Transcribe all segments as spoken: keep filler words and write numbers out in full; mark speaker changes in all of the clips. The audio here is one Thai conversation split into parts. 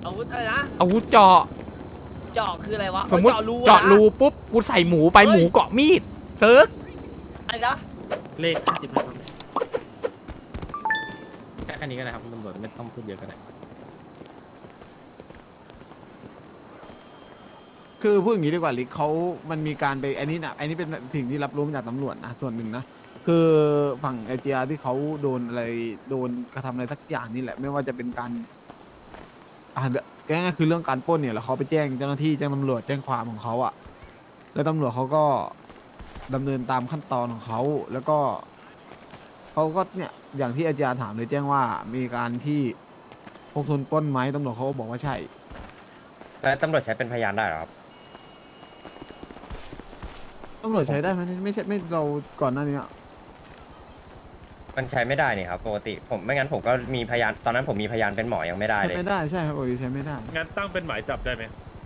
Speaker 1: อาวุธอะไรนะ
Speaker 2: อาวุธเจาะ
Speaker 1: เจาะคืออะไรวะ
Speaker 2: สมมติ
Speaker 1: เจาะรู
Speaker 2: เจาะรู
Speaker 1: อ
Speaker 2: ปุ๊บกูใส่หมูไป
Speaker 1: เฮ้ย
Speaker 2: หมูเกาะมีดเซิร์ก
Speaker 1: อะไรนะ
Speaker 3: เลขห้าสิบห้าครับแค่แค่นี้ก็ได้ครับตำรวจไม่ต้องพูดเยอะก็ได้
Speaker 4: คือพูดอย่างนี้ดีกว่าลิกเขามันมีการไปอันนี้นะอันนี้เป็นสิ่งที่รับรู้มาจากตำรวจนะส่วนหนึ่งนะคือฝั่งไอจีอาร์ที่เขาโดนอะไรโดนกระทำอะไรสักอย่างนี่แหละไม่ว่าจะเป็นการอ่าง่ายๆคือเรื่องการปล้นเนี่ยแล้วเขาไปแจ้งเจ้าหน้าที่แจ้งตำรวจแจ้งความของเขาอะแล้วตำรวจเขาก็ดำเนินตามขั้นตอนของเขาแล้วก็เขาก็เนี่ยอย่างที่ไอจีอาร์ถามเลยแจ้งว่ามีการที่พกทุนปล้นไหมตำรวจเขาก็บอกว่าใช่
Speaker 5: แล้วตำรวจใช้เป็นพยานได้เหรอครับ
Speaker 4: ตำรวจใช้ได้ไหมไม่ใช่ไม่เราก่อนหน้านี้อะ
Speaker 5: มันใช้ไม่ได้นี่ครับปกติผมไม่งั้นผมก็มีพยานตอนนั้นผมมีพยานเป็นหมอยังไม่ได้
Speaker 4: ใช้
Speaker 5: เลย
Speaker 4: ไม่ได้ใช่ครับโอ้ยใช้ไม่ได้
Speaker 6: งั้นตั้งเป็นหมายจับได้ไหม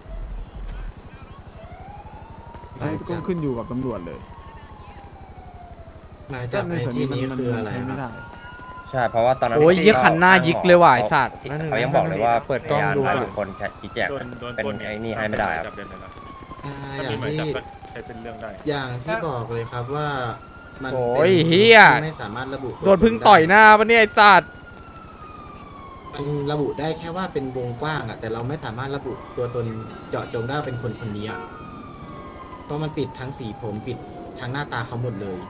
Speaker 4: ไอ้ก็ขึ้นอยู่กับตำรวจเลย
Speaker 7: หมายจับใน
Speaker 4: ส่วน
Speaker 7: ที่
Speaker 4: มั
Speaker 7: นี้
Speaker 4: มั
Speaker 7: คืออะไร
Speaker 4: ใช้ไม่
Speaker 7: ครั
Speaker 4: ได้
Speaker 7: บ
Speaker 5: ใช่เพราะว่าตอนนั้น
Speaker 2: โอ้ย
Speaker 5: พี่
Speaker 2: ยี่ขันหน้ายิกเลยว่ะไอ
Speaker 5: ขา
Speaker 2: สัตว์
Speaker 5: เขายังบอกเลยว่า
Speaker 2: เปิดกล้องดู
Speaker 5: พยานหรือคนชี้แจง
Speaker 6: โดนโดน
Speaker 5: เป็น
Speaker 6: ปล้น
Speaker 5: ไอ้นี่ให้ไม่ได้ครับ
Speaker 6: จับได้ไหมล่ะ
Speaker 7: อ่า
Speaker 6: ถ้า
Speaker 7: อย่า
Speaker 6: มี
Speaker 7: ง
Speaker 6: หมาย
Speaker 7: ที่
Speaker 6: จับก็ใช้เป็นเรื่องได้
Speaker 7: อย่างที่บอกเลยครับว่ามัน
Speaker 2: โอ้
Speaker 7: ป็น
Speaker 2: ยเฮีย
Speaker 7: ที่ไม่สามารถระบุ
Speaker 2: โดนพึ่งต่อยหน้าปะเนี่ยไอสัตว์
Speaker 7: มันระบุได้แค่ว่าเป็นวงกว้างอะแต่เราไม่สามารถระบุตัวตนเจาะจงได้ว่าเป็นคนคนนี้อะเพราะมันปิดทั้งสีผมปิดทั้งหน้าตาเขาหมดเลย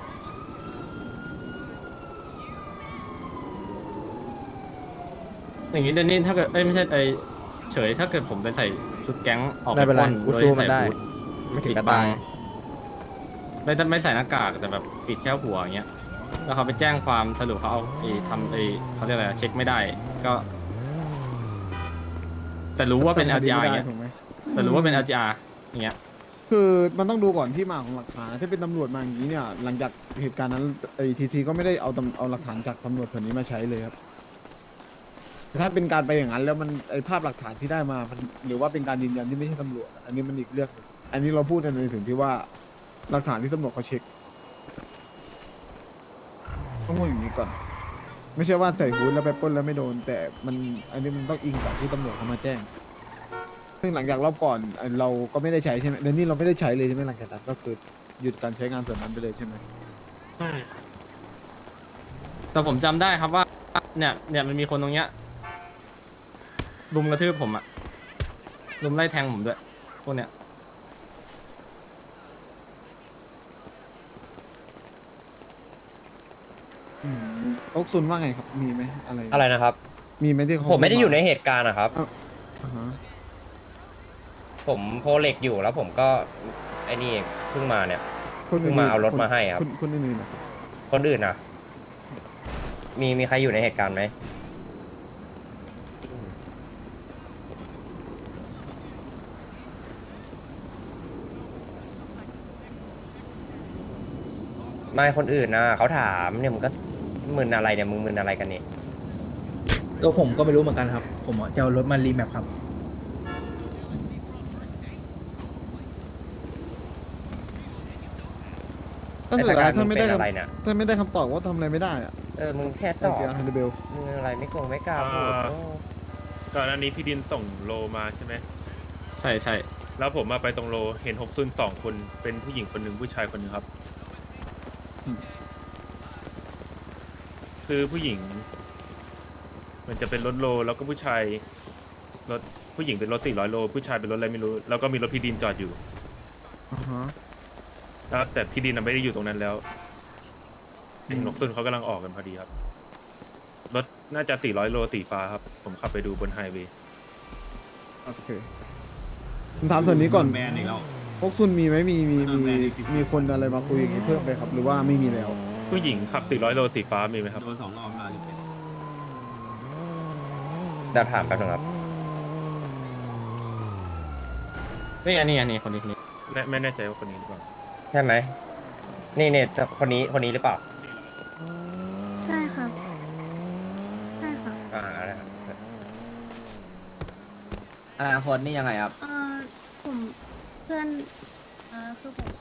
Speaker 3: อย่างนี้เดนนี่ถ้าเกิดเอ้ยไม่ใช่ไอเฉยถ้าเกิดผมไปใส่ชุดแก๊งออก
Speaker 2: ไม่เป็นไร
Speaker 3: ปล้
Speaker 2: กูสู้มัน
Speaker 3: โยใส่
Speaker 2: ได้
Speaker 3: บูท
Speaker 2: ไม่ถึง
Speaker 3: ปิด
Speaker 2: กระ
Speaker 3: บั
Speaker 2: ตาง ย
Speaker 3: ไม่ไม่ใส่หน้ากากแต่แบบปิดแค่หัวอย่างเงี้ยแล้วเขาไปแจ้งความสรุปเขาเอาไอ้ทำไอ้เขาเรียกอะไรเช็คไม่ได้ก็ แต่รู้ว่าเป็น แอล จี อาร์ อย่างเงี้ย
Speaker 4: ถูกไหม
Speaker 3: แต่รู้ว่าเป็น แอล จี อาร์ อย่างเงี้ย
Speaker 4: คือมันต้องดูก่อนที่มาของหลักฐานนะถ้าเป็นตำรวจมาอย่างนี้เนี่ยหลังจากเหตุการณ์นั้นไอทีซีก็ไม่ได้เอาตำเอาหลักฐานจากตำรวจส่วนนี้มาใช้เลยครับแต่ถ้าเป็นการไปอย่างนั้นแล้วมันไอภาพหลักฐานที่ได้มามันหรือว่าเป็นการยืนยันที่ไม่ใช่ตำรวจอันนี้มันอีกเรื่องหนึ่งอันนี้เราพูดในถึงที่ว่าหลักฐานที่ตำรวจเขาเช็คต้องพูดอย่างนี้ก่อน ไม่ใช่ว่าใส่ฮูดแล้วไปปล้นแล้วไม่โดน แต่มันอันนี้มันต้องอิงกับที่ตำรวจเขามาแจ้ง ซึ่งหลังจากรอบก่อนเอ่อเราก็ไม่ได้ใช้ใช่ไหมเดี๋ยวนี้เราไม่ได้ใช้เลยใช่ไหมหลังจากนั้นก็คือหยุดการใช้งานส่วนนั้นไปเลยใช่ไหม
Speaker 3: ใช่แต่ผมจำได้ครับว่า เนี่ยเนี่ยมันมีคนตรงเนี้ยรุมกระทืบผมอะรุมไล่แทงผมด้วยพวกเนี้ย
Speaker 4: อืมโอ๊กซุนว่าไงครับ มีไหมอะไร
Speaker 5: อะไรนะครับ
Speaker 4: มีไหมที่เขา
Speaker 5: ผมไม่ได้อยู่ในเหตุการณ์นะครับ
Speaker 4: อ่าฮะ
Speaker 5: ผมโพเล็กอยู่แล้วผมก็ไอ้นี่เพิ่งมาเนี่ย
Speaker 4: คน
Speaker 5: เพิ่งมาเอารถมาให้ครับ
Speaker 4: คนคนอื่นๆนะครับ
Speaker 5: คนอื่นนะมีมีใครอยู่ในเหตุการณ์ไหมไม่คนอื่นนะเขาถามเนี่ยมึงก็มึนอะไรเนี่ยมึงมึนอะไรกันนี่
Speaker 8: ตัวผมก็ไม่รู้เหมือนกันครับ ผมอ่ะจะเอารถมารีแมปครับ
Speaker 4: ถ้าสุดท้ายถ้าไม่ได้
Speaker 5: เป็น
Speaker 4: ค
Speaker 5: อะไรเนี่ย
Speaker 4: ำถ้าไม่ได้คำตอบว่าทำอะไรไม่ได้อะ
Speaker 5: เออมึงแค่ต
Speaker 4: ต่อ
Speaker 5: อบ
Speaker 4: จากฮันเดเบล
Speaker 5: มึงอะไรไม่โกงไม่กล้าพูด
Speaker 6: อ่า
Speaker 5: โอ้
Speaker 6: ก่อนหน้านี้พี่ดินส่งโลมาใช่ไหม
Speaker 3: ใช่ใช่
Speaker 6: แล้วผมมาไปตรงโลเห็นหกซุนสองคนเป็นผู้หญิงคนหนึ่งผู้ชายคนหนึ่งครับ คือผู้หญิง มันจะเป็นรถโลแล้วก็ผู้ชายรถผู้หญิงเป็นรถสี่ร้อยโลผู้ชายเป็นรถอะไรไม่รู้ แล้วก็มีรถพี่ดินจอดอยู่
Speaker 4: อ่าฮะ
Speaker 6: แล้วแต่พี่ดินน่ะไม่ได้อยู่ตรงนั้นแล้วเห็นหกซุนเขากำลังออกกันพอดีครับ รถน่าจะสี่ร้อยโลสีฟ้าครับ ผมขับไปดูบนไฮเวย์
Speaker 4: โอเคผมถามส่วนนี้ก่อน
Speaker 8: แมนอีกแล้ว
Speaker 4: โอ๊กซุนมีไหมมีมีมีมีคนอะไรมาคุยอย่างนี้เพิ่มไปครับ หรือว่าไม่มีแล้ว
Speaker 6: ผู้หญิงขับสี่ร้อยโลสีฟ้ามีไหมครับ
Speaker 8: โดนสองรอบแล้ว
Speaker 5: จะถามแป๊บนึงครับ
Speaker 3: นี่อันนี้อันนี้คนนี้คนนี้
Speaker 6: ไม่ไม่แน่ใจว่าคนนี้หรือเปล่า
Speaker 5: ใช่ไหมนี่เนี่ยคนนี้คนนี้หรือเปล่า
Speaker 9: ใช่ครับ ใช่ค่ะ
Speaker 5: อ่านะครับ
Speaker 8: อนาคตนี่ยังไงครับ
Speaker 9: เอ่อผมเพื่อนเอ่อคือผม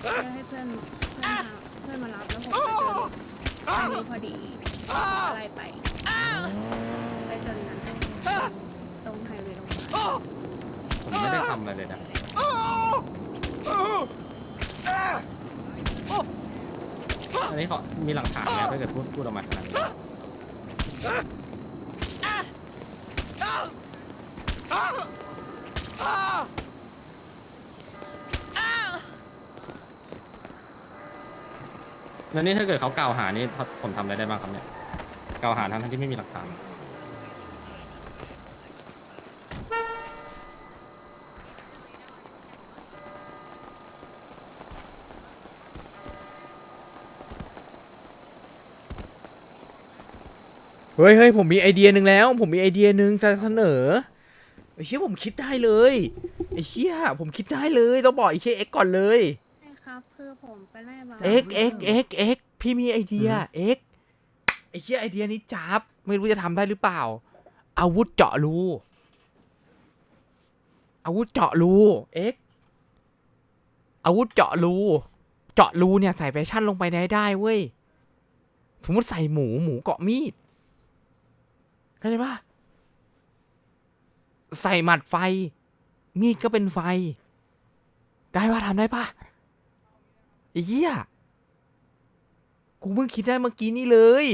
Speaker 9: เพื่อให้เพื่อนเพื่อนมาเพื่อนมารับแล้วผมก็เจอเด็กอันนี้พอดีอะไรไปไปจนนั้นตรงไฮเวย์ลงมา
Speaker 3: ผมไม่ได้ทำอะไรเลยนะอันนี้เขามีหลักฐานไหมถ้าเกิดพูดพูดออกมาขนาดนี้ แล้วนี่ถ้าเกิดเขากล่าวหานี่ผมทำอะไรได้บ้างครับเนี่ยกล่าวหาทั้งที่ไม่มีหลักฐาน
Speaker 2: เฮ้ยเฮ้ยผมมีไอเดียหนึ่งแล้ว ผมมีไอเดียหนึ่งจะเสนอไอ้เหี้ยผมคิดได้เลยไอ้เหี้ยผมคิดได้เลยต้องบอกไอ้เหี้ยเอ็กก่อนเลย
Speaker 9: ใช่ครับคือผมไปไล่บา
Speaker 2: เอ็กเอ็กเอ็กเอ็กพี่มีไอเดียเอ็กไอ้เหี้ยไอเดียนี้จับไม่รู้จะทำได้หรือเปล่า อาวุธเจาะรูอาวุธเจาะรูเอ็กอาวุธเจาะรูเจาะรูเนี่ยใส่แฟชั่นลงไปได้ได้เว้ยสมมติใส่หมูหมูเกาะมีดเข้าใจปะใส่หมัดไฟมีดก็เป็นไฟได้ปะทำได้ปะไอ้เหี้ยกูเพิ่งคิดได้เมื่อกี้นี่เลย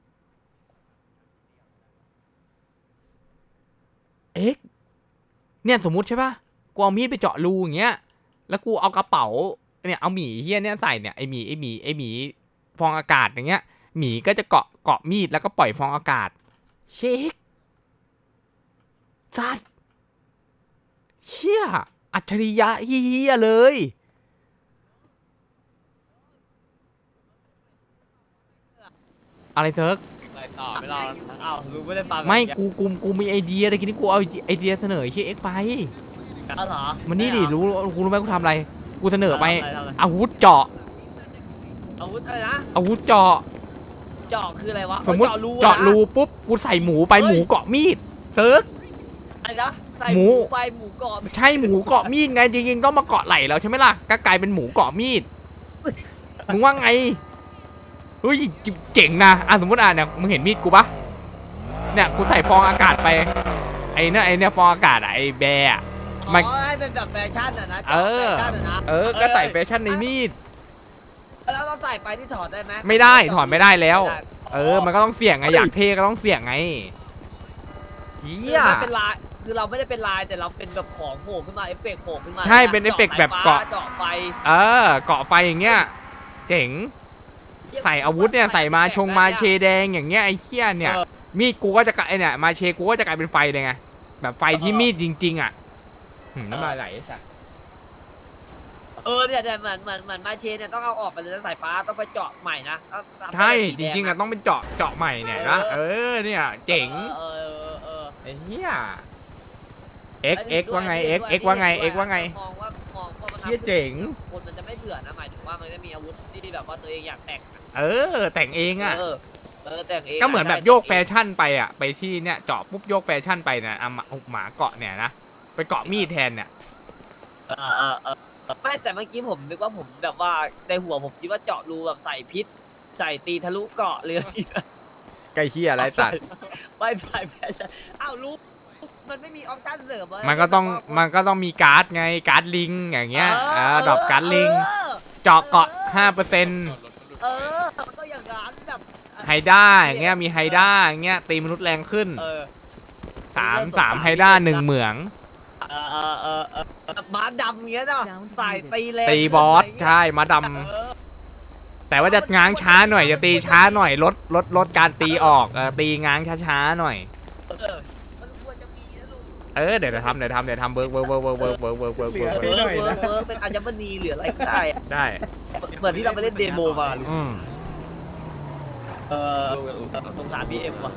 Speaker 2: เอ็กเนี่ยสมมุติใช่ปะกูเอามีดไปเจาะรูอย่างเงี้ยแล้วกูเอากระเป๋าเนี่ยเอาหมีเหี้ยเนี่ยใส่เนี่ยไอหมีไอหมีไอหมีฟองอากาศอย่างเงี้ยหมีก็จะเกาะเกาะมีดแล้วก็ปล่อยฟองอากาศเช็คสัตว์เฮียอัจฉริยะเฮียเลยอะไรเซิร์ก
Speaker 1: ไปต่อไม่รออ้าวรู้ไม่ได้ฟัง
Speaker 2: ไม่กูกูกูมีไอเดียแต่ทีนี้กูเอาไอเดียเสนอเฮียเอ็กไป
Speaker 1: อ้าวเหรอ
Speaker 2: มันนี่ดิรู้กูรู้ไหมกูทำอะไรกูเสนอไป
Speaker 1: ทำอะไรทำอะไร
Speaker 2: อาวุธเจาะ
Speaker 1: อาวุธอะไรนะ
Speaker 2: อาวุธเจาะ
Speaker 1: เจาะคืออะไรวะ
Speaker 2: สมมุติ
Speaker 1: เจาะรู
Speaker 2: เจาะรู
Speaker 1: อ
Speaker 2: ปุ๊บกูใส่หมูไปหมูเกาะมีดเซิร์ก
Speaker 1: อะไรนะใส่
Speaker 2: ห
Speaker 1: ห
Speaker 2: มู
Speaker 1: มูไปหมูกรอบ
Speaker 2: ใช่หมูเกาะมีดไงจริงๆต้องมาเกาะไหล่แล้วใช่ไหมล่ะก็กลายเป็นหมูเกาะมีดมึงว่าไงเฮ้ยเจ๋งนะอ่ะสมมติอ่ะเนี่ยมึงเห็นมีดกูปะเนี่ยกูใส่ฟองอากาศไปไอ้เนี่ยไอ้เนี่ยฟองอากาศอะไอ้แบร์อะ
Speaker 1: อ๋
Speaker 2: มัน
Speaker 1: อให้เป็นแบบแฟชั่นอ่ะนะ
Speaker 2: เออ
Speaker 1: แฟชั่นอ่ะนะ
Speaker 2: เออก็ใส่แฟชั่นในมีด
Speaker 1: แล้วเราใส่ไปที่ถอดได้ไหม
Speaker 2: ไม่ได้ถอดไม่ได้แล้ว
Speaker 1: ไม่ได้
Speaker 2: เออมันก็ต้องเสี่ยงไงอยากเท่ก็ต้องเสี่ยงไงเฮี
Speaker 1: คือย ไม่เป็นลายคือเราไม่ได้เป็นลายแต่เราเป็นแบบของโผล่ขึ้นมาเอฟเฟกต์โผล่ขึ้นมา
Speaker 2: ใช่เป็นเอฟเฟกต์แบบเกาะ
Speaker 1: เจาะไฟ
Speaker 2: เออเกาะไฟอย่างเงี้ยเจ๋งใส่อาวุธเนี่ยใส่มาชงมาเชแดงอย่างเงี้ยไอ้เหี้ยเนี่ยมีดกูก็จะกลายไอ้เนี่ยมาเชกูก็จะกลายเป็นไฟเลยไงแบบไฟที่มีดจริง ๆ อ่ะหืมน้ำลายไหลสัส
Speaker 1: เออเนี่ยเนี่ยเหมือนเหมือนเหมือนมาเชนเนี่ยต้องเอาออกไปเลยนะสายฟ้าต้องไปเจาะใหม่นะต้องทำ
Speaker 2: ใช่
Speaker 1: เป็น
Speaker 2: จ
Speaker 1: สีแด
Speaker 2: ริงๆอ่ะต้องเป็นเจาะเจาะใหม่เนี่ยนะเออเนี่ยเจ๋ง
Speaker 1: เออเออเออ
Speaker 2: ไอ้เหี้ยเอ็กเอ็กว่าไงเอ็กเอ็กว่าไงเอ็กว่าไง
Speaker 1: มองว่ามองว่ามัน
Speaker 2: เหี้ยเจ๋ง
Speaker 1: คนมันจะไม่เบื่อนะหมายถึงว่ามันจะมีอาวุธที่แบบว่าตัวเองอยากแต่งอะ
Speaker 2: เออแต่งเองอ่ะ
Speaker 1: เออเออแต่งเอง
Speaker 2: ก็เหมือนแบบโยกแฟชั่นไปอ่ะไปที่เนี่ยเจาะปุ๊บโยกแฟชั่นไปเนี่ยเอาหมาเอาหมาเกาะเนี่ยนะไปเกาะมีดแทนเนี่ย
Speaker 1: เออเออเออไม่แต่เมื่อกี้ผมนึกว่าผมแบบว่าในหัวผมคิดว่าเจาะรูแบบใส่พิษใส่ตีทะลุเกาะเลย
Speaker 2: ไก่เหี้ยอะไรสัตว์
Speaker 1: ไปไปแฟชั่นอ้าวรู้มันไม่มีออปชั่นเสริมเลย
Speaker 2: มันก็ต้องมันก็ต้องมีการ์ดไงการ์ดลิงอย่างเงี้ยเออดรอปการ์ดลิง
Speaker 1: เออ
Speaker 2: เจาะเกาะห้าเปอร์เซ็นต์
Speaker 1: เออมันต้องอย่างนั้นแบบ
Speaker 2: ไฮด้าอย่างเงี้ยมีไฮด้าอย่างเงี้ยตีมนุษย์แรงขึ้น
Speaker 1: เออ
Speaker 2: สามสามไฮด้าหนึ่งเหมือง
Speaker 1: เออเออเออเออแบบม้าดำเงี้ยเนาะใส่ตีแรง
Speaker 2: ตีบอสใช่มาด
Speaker 1: เออ
Speaker 2: ำแต่ว่าจะง้างช้าหน่อยจะตีช้าหน่อยลดลดลดการตีออกเออตีง้างช้าๆหน่อย
Speaker 1: เออมันควรจะมีนะลูก
Speaker 2: เออเดี๋ยวเดี๋ยวทำเดี๋ยวทำเดี๋ยวทำเบิร์กเบิร์กเบิร์กเบิร์กเบิร์กเบิร์กเบิร์กเบิร์กเบิร์ก
Speaker 1: เออเวิร์กเวิร์กเป็นอัญมณีหรืออะไรก็ได้อะ
Speaker 2: ได้
Speaker 1: เหมือนที่เราไปเล่นเดโมมาลูก
Speaker 2: อืม
Speaker 1: เออสงสารพีเอ็มว่ะ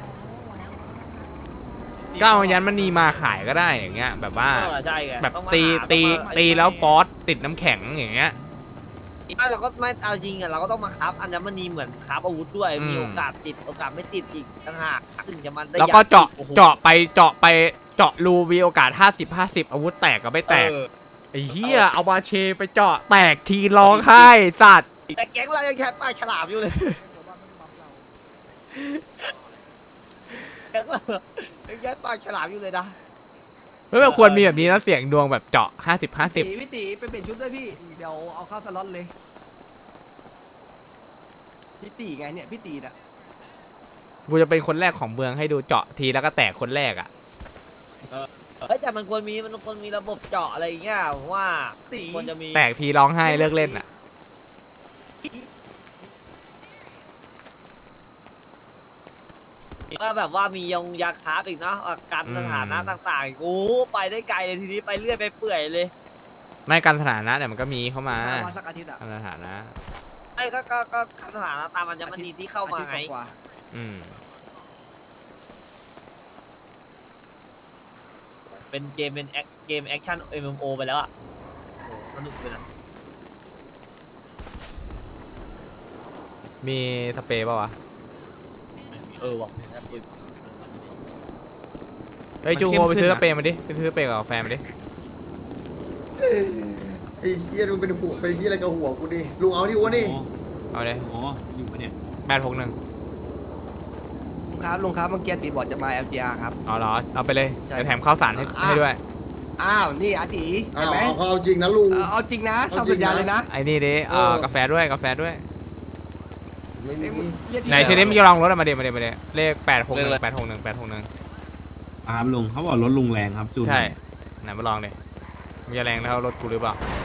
Speaker 2: ก็เอายันมันนีมาขายก็ได้อย่างเงี้ยแบบว่า
Speaker 1: เออใช่ไง
Speaker 2: แบบ
Speaker 1: องมา
Speaker 2: ตี
Speaker 1: หา
Speaker 2: ตี
Speaker 1: องมา
Speaker 2: ตีแล้วฟอสติดน้ำแข็งอย่างเงี้ย
Speaker 1: ไม่เราก็ไม่เอาจริงอ่ะเราก็ต้องมาครับอัญมณีเหมือนครับอาวุธด้วย
Speaker 2: อืม
Speaker 1: มีโอกาสติดโอกาสไม่ติดอีกต่างหากถึงจะมันได้
Speaker 2: แล้วก็เจาะ
Speaker 1: โอ้โห
Speaker 2: เจาะไปเจาะไปเจาะรูมีโอกาสห้าสิบห้าสิบอาวุธแตกกับไม่แตก
Speaker 1: เออ
Speaker 2: ไอ้เหี้ยเอามาเชไปเจาะแตกทีร้องไห้สัตว์
Speaker 1: แต่แก๊งเรายังแค่ปลาฉลามอยู่เลยแก๊งเรายังแค่ปลาฉลามอยู่เลยนะ
Speaker 2: เฮ้ยมันควรมีแบบนี้นะเสียงดวงแบบเจาะห้าสิบห้าสิบ
Speaker 10: พี่ตีไปเปลี่ยนชุดด้วยพี่ เดี๋ยวเอาเข้าสล็อตเลย พี่ตีไงเนี่ยพี่ตีน่ะ
Speaker 2: กูจะเป็นคนแรกของเมืองให้ดูเจาะทีแล้วก็แตกคนแรกอ่ะ
Speaker 1: เฮ้ยแต่มันควรมีมันควรมีระบบเจาะอะไรอย่างเงี้ยผมว่า
Speaker 10: ตี
Speaker 1: ควรจะมี
Speaker 2: แตกทีร้องไห้เลิกเล่นอ่ะ
Speaker 1: ก็แบบว่ามียงยาคาบอีกเนาะอ่ะกันสถานะต่างๆโอ้โหไปได้ไกลเลยทีนี้ไปเรื่อยไปเปื่อยเลย
Speaker 2: ไม่การสถานะเนี่ยมันก็มีเข้ามา
Speaker 10: มาสักอาทิตย์อะ
Speaker 2: การสถานะ
Speaker 1: ไอ้ก็ก็ก็กันสถานะตามมันจะมันดีที่เข้ามาไง
Speaker 10: อทิตย์กว่า
Speaker 2: อืม
Speaker 1: เป็นเกมเป็นแอคเกมแอคชั่น เอ็ม เอ็ม โอ ไปแล้วอ่ะโอ้สนุกเลยนะ
Speaker 2: มีสเปรย์ป่าวะ
Speaker 1: เออว่ะ
Speaker 2: เฮ้ยจูโฮไปซื้อสเปรย์มาดิไปซื้อสเปรย์กับกาแฟมาดิ
Speaker 11: ไอ้เหี้ยมึงเป็นหัวเป็นเหี้ยอะไรกับหัวกูดิลุงเอาที่อ้วนดิ
Speaker 2: เอาเลย
Speaker 3: อ๋ออยู่ปะเนี่ย
Speaker 2: แปดหกหนึ่ง
Speaker 10: ลุงครับลุงครับเมื่อกี้ตีบอกจะมา แอล จี อาร์ ครับ
Speaker 2: เอาเหรอเอาไปเลย
Speaker 10: ใช่
Speaker 2: เดี๋ยวแถมข้าวสารให้
Speaker 10: อ่ะ
Speaker 2: ให้ด้วย
Speaker 10: อ้าวนี่อาตี
Speaker 11: อ้า
Speaker 10: เห็น
Speaker 11: ว
Speaker 10: ไหม
Speaker 11: เอาเขาเอาจริงนะลุง
Speaker 10: เออเอาจริงนะ
Speaker 11: เอา
Speaker 10: ทำ
Speaker 11: จริ
Speaker 10: สั
Speaker 11: ง
Speaker 10: ญญา
Speaker 11: นะ
Speaker 10: เลยนะ
Speaker 2: ไอ้นี่ดิเออ
Speaker 11: เออ
Speaker 2: กาแฟด้วยกาแฟด้วย
Speaker 11: ไม่มี
Speaker 10: เรียก
Speaker 2: ไหนเชนิดมึงจะลองรถอะมาเดี๋ยวมาเดี๋ยวมาเดี๋ยวเลขแปดหกหนึ่งแปดหกหนึ่งแปดหกหนึ่ง
Speaker 3: ครับลุงเขาบอกรถลุงแรงครับจูน
Speaker 2: ใช่ไหนมาลองดิมึงจะแรงเท่ารถกูหรือเปล่า